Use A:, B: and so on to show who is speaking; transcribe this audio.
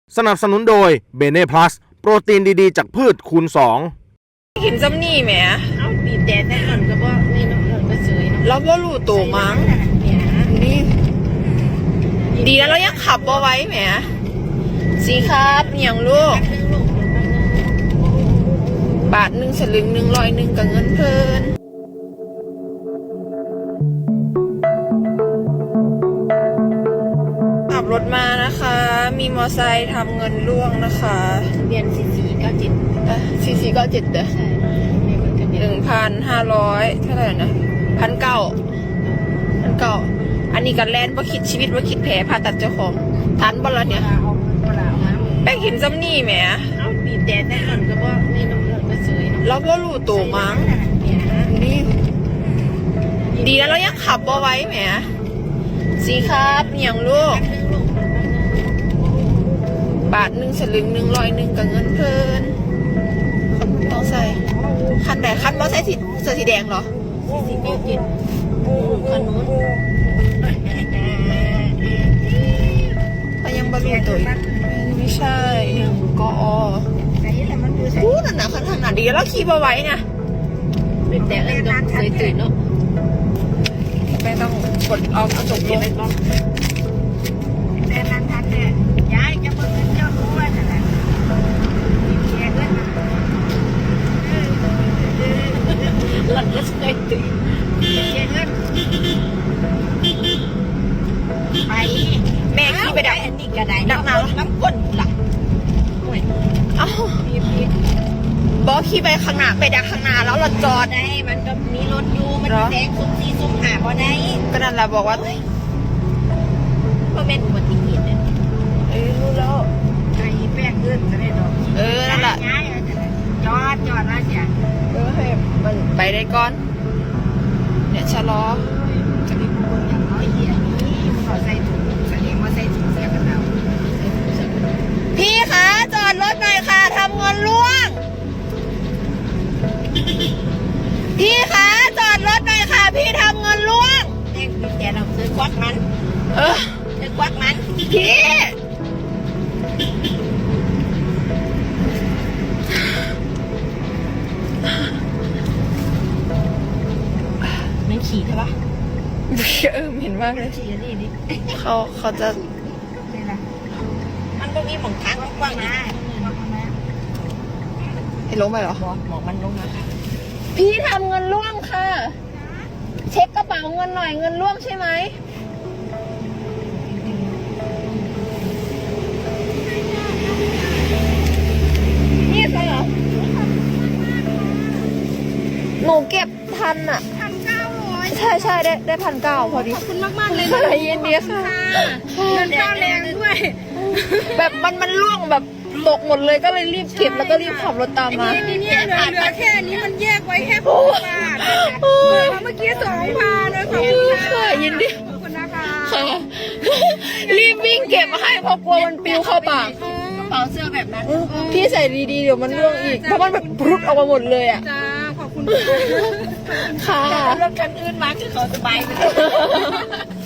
A: สนับสนุนโดยเบเน่พลัสโปรตีนดีๆจากพืชคูณ2
B: เห็นจำนี่แหม
C: เอาบีบแต่หล่อนก็บ่นี่น้องหล่อนก็เสยเนาะ
B: เราก็รู้ตัวมั้งนี่ดีแล้วเรายังขับบ่ไว้แหมสีครับอย่างลูกบาท1 สลึง 100กับเงินเพลินขับรถมานะคะ มีมอไซค์ทำเงินล่วงนะคะ
C: เรียน4497
B: 4497เด้อ
C: ใช่มีคนทะเบียน
B: 1,500เท่าไหร่นะ1,900อันนี้กันแลนบ่คิดชีวิตว่าคิดแผลผ่าตัดเจ้าของทันบ่ละเนี่ยแป้งเห็นจำนี่แหม
C: เอาบีบแต่หล่อนก็บ่นี่น้องหล่อนก็เสยเนาะ
B: เราก็รู้ตัวมั้งนี่ดีแล้วเรายังขับบ่ไว้แหมสีครับอย่างลูกบาท1 สลึง 100กับเงินเพลินต้องใส่คันไหนคันบ่ใส่เสื้อสีแดงเหรอ
C: 4497คันนู้น
B: ก็ยังบรรลุตัวไม่ใช่กออู้นั่นนะขนาดดีแล้วขี่มาไว้นะ
C: บีบแต่เล่นก็เสยตื่นเนาะ
B: ไม่ต้องกดเอากระจกลง
C: แต่ทันเนี่ยยายจะเบิ่งเจ้ารู้ว่านั่นแหละแกเงินหล่อนก็เสยตื่นแกเงินไป
B: แม่ขี่ไปดัก
C: อันนี้ก็ได้ดักน้ำก้นหลัก
B: เอ้าบอขี่ไปข้างหน้าไปดักข้างหน้าแล้วเราจอด
C: ได้มันก็มีรถอยู่มันแซงสุ่ม4สุ่ม5พอได้
B: ก็นั่นแหละบอกว่า
C: เพราะเป็นอุบัติเหตุเนี่ย
B: รู้แล้ว
C: ไอ้แป้งเอื้อนจะได้ดอก
B: นั่นแหละ
C: จอดแล้วจ้ะ
B: ให้มันไปได้ก่อนเนี่ยชะลอ
C: จะมีคนอย่างน้อยเหี้ยขอใส่ถุงแสดงว่าใส่ถุงเสียกันแล้ว
B: พี่คะจอดรถหน่อยค่ะทำเงินล่วงพี่คะจอดรถหน่อยค่ะพี่ทำเงินล่วง
C: เด็กมีแต่เราซื้อควักมันซื้อควักมัน
B: พี่
C: มันขี่ใช่ปะ
B: เห็นมากเลย
C: ขี่นี่ดิ
B: เขาจะ
C: มันก็มีหมองทางกว้างๆนะ
B: ให้ลงไปเหรอ
C: หมองมันลงนะ
B: พี่ทำเงินล่วงค่ะเช็คกระเป๋าเงินหน่อยเงินล่วงใช่ไหมนี่ใช่เหรอหนูเก็บทันอ่ะ
C: 1,900
B: ใช่ได้1,900พอดี
C: ขอบคุณมากๆเลย
B: นะเย็นดีค่ะ
C: เงินค่าแรงด้วย
B: แบบมันล่วงแบบตกหมดเลยก็เลยรีบเก็บแล้วก็รีบขับรถตามมา
C: นี่เหลือแค่นี้มันแยกไว้แค่6 บาทเมื่อกี้2,000เลยขอบคุณค่ะ
B: ยินดี
C: ขอบคุณนะคะ
B: รีบวิ่งเก็บมาให้เพราะกลัวมันปลิวเข้าปาก
C: กระเป๋าเสื้อแบบนั้น
B: พี่ใส่ดีๆเดี๋ยวมันร่วงอีกเพราะมันแบบพรุดออกมาหมดเลยอ่ะ
C: จ้าขอบคุณ
B: ค่ะ
C: รถคันอื่นมาคือเขาสบายไป